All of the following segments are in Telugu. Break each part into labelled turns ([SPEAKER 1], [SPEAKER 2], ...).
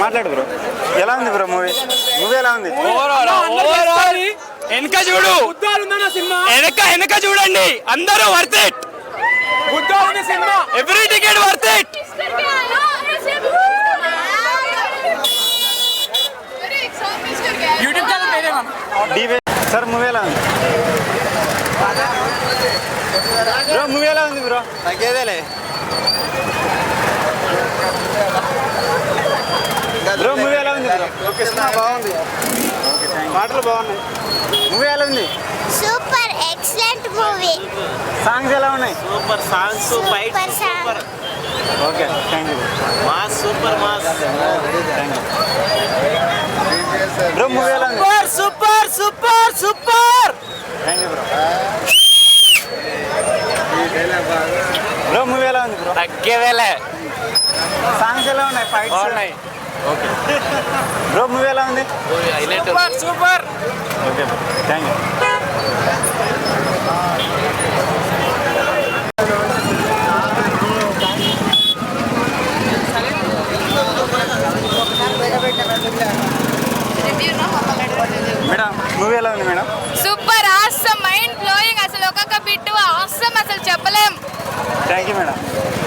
[SPEAKER 1] మాట్లాడు బ్రో. ఎలా ఉంది బ్రో మూవీ? మూవీ ఎలా ఉంది?
[SPEAKER 2] వెనక చూడు, వెనక చూడండి, అందరూ worth it. Every ticket worth it. YouTube channel
[SPEAKER 1] sir movie ఎలా ఉంది బ్రో? మూవీ ఎలా ఉంది బ్రో?
[SPEAKER 3] తగ్గేదేలే
[SPEAKER 1] బ్రో. మూవీ ఎలా ఉంది బ్రో?
[SPEAKER 3] బాగుంది,
[SPEAKER 1] పాటలు బాగున్నాయి. మూవీ ఎలా ఉంది?
[SPEAKER 4] Super excellent movie.
[SPEAKER 1] సాంగ్స్ ఎలా ఉన్నాయి?
[SPEAKER 3] Super songs, fight super.
[SPEAKER 1] Okay, thank you
[SPEAKER 3] mass, super mass.
[SPEAKER 1] Bro. Movie ఎలా ఉంది?
[SPEAKER 2] Super super super.
[SPEAKER 1] Thank you bro. Bro movie ఎలా ఉంది బ్రో?
[SPEAKER 2] తగ్గేదేలే.
[SPEAKER 1] సాంగ్స్ ఎలా ఉన్నాయి? ఫైట్స్ ఉన్నాయి. Okay bro. మూవీ ఎలా ఉంది?
[SPEAKER 2] Super super.
[SPEAKER 1] Okay bro, thank you. Madam movie ఎలా ఉంది madam?
[SPEAKER 5] Super awesome, mind blowing. అసలు ఒక్కొక్క బిట్ ఆసమ్, అసలు చెప్పలేం.
[SPEAKER 1] Thank you madam.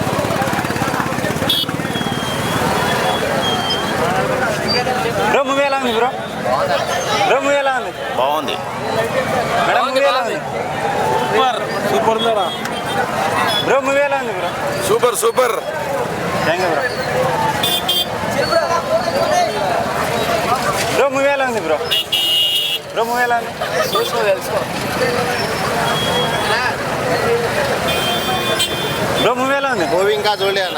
[SPEAKER 1] Bro movie ఎలా ఉంది బ్రో? బ్రో మూవీ ఎలా ఉంది?
[SPEAKER 3] బాగుంది
[SPEAKER 1] మేడం మూవీ ఎలా ఉంది?
[SPEAKER 3] సూపర్ సూపర్ ఉందా
[SPEAKER 1] బ్రో మూవీ ఎలా ఉంది bro?
[SPEAKER 3] Super super.
[SPEAKER 1] Thank you bro. Bro movie ఎలా ఉంది బ్రో? బ్రో మూవీ ఎలా ఉంది? బ్రో మూవీ ఎలా ఉంది?
[SPEAKER 3] మూవీ ఇంకా చూడలే అన్న.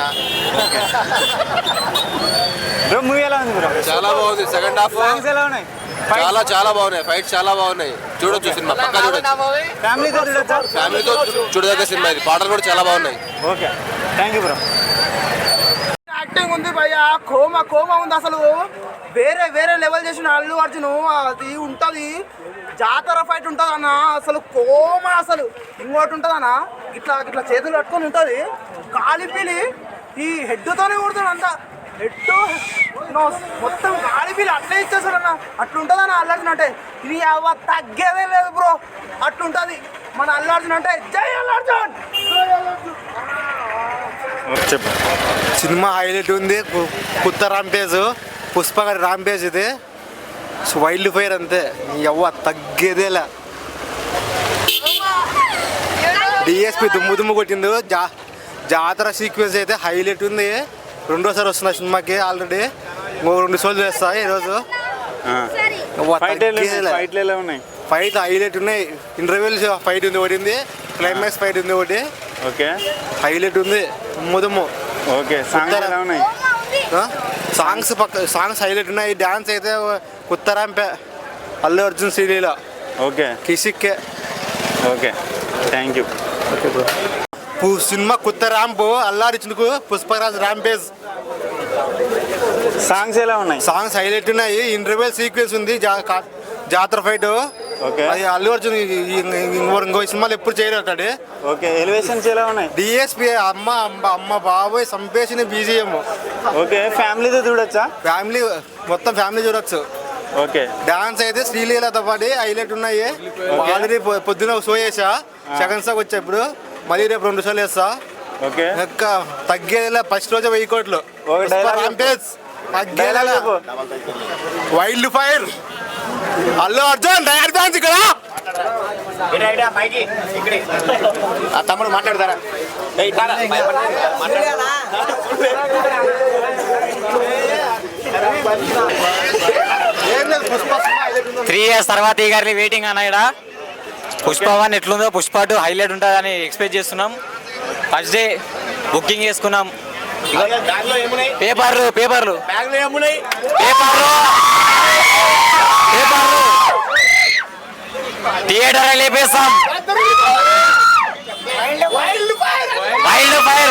[SPEAKER 1] బ్రో మూవీ ఎలా ఉంది బ్రో?
[SPEAKER 3] చాలా బాగుంది. సెకండ్ హాఫ్
[SPEAKER 1] సాంగ్స్ ఎలా ఉన్నాయి?
[SPEAKER 3] చాలా బాగున్నాయి. ఫైట్ చాలా బాగున్నాయి. చూడొచ్చు సినిమా, పక్కా చూడొచ్చు.
[SPEAKER 1] ఫ్యామిలీతో చూడొచ్చా?
[SPEAKER 3] ఫ్యామిలీతో చూడదగ్గ సినిమా ఇది. పాటలు కూడా చాలా బాగున్నాయి.
[SPEAKER 1] Okay, thank you bro.
[SPEAKER 6] Acting ఉంది భయ్య, కోమా ఉంది అసలు. వేరే లెవెల్ చేసిన అల్లు అర్జున్. అది ఉంటుంది, జాతర ఫైట్ ఉంటుంది అన్న. అసలు కోమా, అసలు ఇంకోటి ఉంటుంది అన్న, ఇట్లా చేతులు కట్టుకొని ఉంటుంది. కాలిపిలి ఈ హెడ్తోనే కొడుతుంది అంతా. హెడ్ మొత్తం కాలిపిలి అట్లే ఇచ్చేస్తాడు అన్న. అట్లుంటుంది అన్న అల్లు అర్జున్ అంటే. ఇది తగ్గేదే లేదు బ్రో, అట్లుంటుంది మన అల్లు అర్జున్ అంటే. జై అల్లు అర్జున్.
[SPEAKER 1] చెప్పు.
[SPEAKER 7] సినిమా హైలైట్ ఉంది. కొత్త రాంపేజ్, పుష్ప గారి రాంపేజ్ ఇది. వైల్డ్ ఫైర్ అంతే, తగ్గేదేలా. డిఎస్పి దుమ్ము కొట్టిండు. జాతర సీక్వెన్స్ అయితే హైలైట్ ఉంది. రెండోసారి వస్తున్నా సినిమాకి. ఆల్రెడీ 2 షోలు చేస్తా ఈరోజు.
[SPEAKER 1] ఫైట్లు ఎలా ఉన్నాయి?
[SPEAKER 7] ఫైట్ హైలైట్ ఉన్నాయి. ఇంటర్వ్యూల్ ఫైట్ ఉంది ఒకటి, క్లైమాక్స్ ఫైట్ ఉంది ఒకటి.
[SPEAKER 1] ఓకే,
[SPEAKER 7] హైలైట్ ఉంది. దుమ్ము.
[SPEAKER 1] ఓకే, సాంగ్స్ ఎలా ఉన్నాయి?
[SPEAKER 7] సాంగ్స్ హైలైట్ ఉన్నాయి. డాన్స్ అయితే కొత్త రాంపే, అల్లు అర్జున్ శ్రీలీల.
[SPEAKER 1] ఓకే,
[SPEAKER 7] కిసిక్కే.
[SPEAKER 1] Okay, thank you.
[SPEAKER 7] Okay bro. Cinema కొత్త ర్యాంపు, అల్లు అర్జున్కు పుష్పరాజ్ ర్యాంపేజ్.
[SPEAKER 1] సాంగ్స్ ఎలా ఉన్నాయి?
[SPEAKER 7] సాంగ్స్ హైలైట్ ఉన్నాయి. ఇంటర్వెల్ సీక్వెన్స్ ఉంది, జాతర ఫైట్.
[SPEAKER 1] ఓకే,
[SPEAKER 7] అది అల్లు అర్జున్ ఇంకో సినిమాలు ఎప్పుడు చేయలేటాడు.
[SPEAKER 1] ఓకే, ఎలివేషన్స్ ఎలా ఉన్నాయి?
[SPEAKER 7] డిఎస్పి అమ్మ బాబోయ్ సంపేసిన బీజిఎం.
[SPEAKER 1] ఓకే, ఫ్యామిలీతో చూడొచ్చా?
[SPEAKER 7] మొత్తం ఫ్యామిలీ చూడొచ్చు.
[SPEAKER 1] ఓకే,
[SPEAKER 7] డాన్స్ అయితే శ్రీలీలతో పాటు హైలైట్ ఉన్నాయి. ఆల్రెడీ పొద్దున షో చేసా, సెకండ్ షోకి వచ్చా. ఇప్పుడు మళ్ళీ రేపు 2 షోలు వేస్తా.
[SPEAKER 1] ఓకే,
[SPEAKER 7] తగ్గేలా. ఫస్ట్ రోజే 1000 కోట్లు. Wild fire, Allu Arjun direct dance ఇక్కడ.
[SPEAKER 3] తమ్ముడు మాట్లాడతారా?
[SPEAKER 2] 3 years తర్వాత ఈ గారి వెయిటింగ్ అన్న. ఇక్కడ పుష్ప 1 ఎట్లుందో పుష్ప 2 హైలైట్ ఉంటుందని ఎక్స్పెక్ట్ చేస్తున్నాం. ఫస్ట్ డే బుకింగ్ చేసుకున్నాం. పేపర్లు థియేటర్ లేపేస్తాం. Wild fire.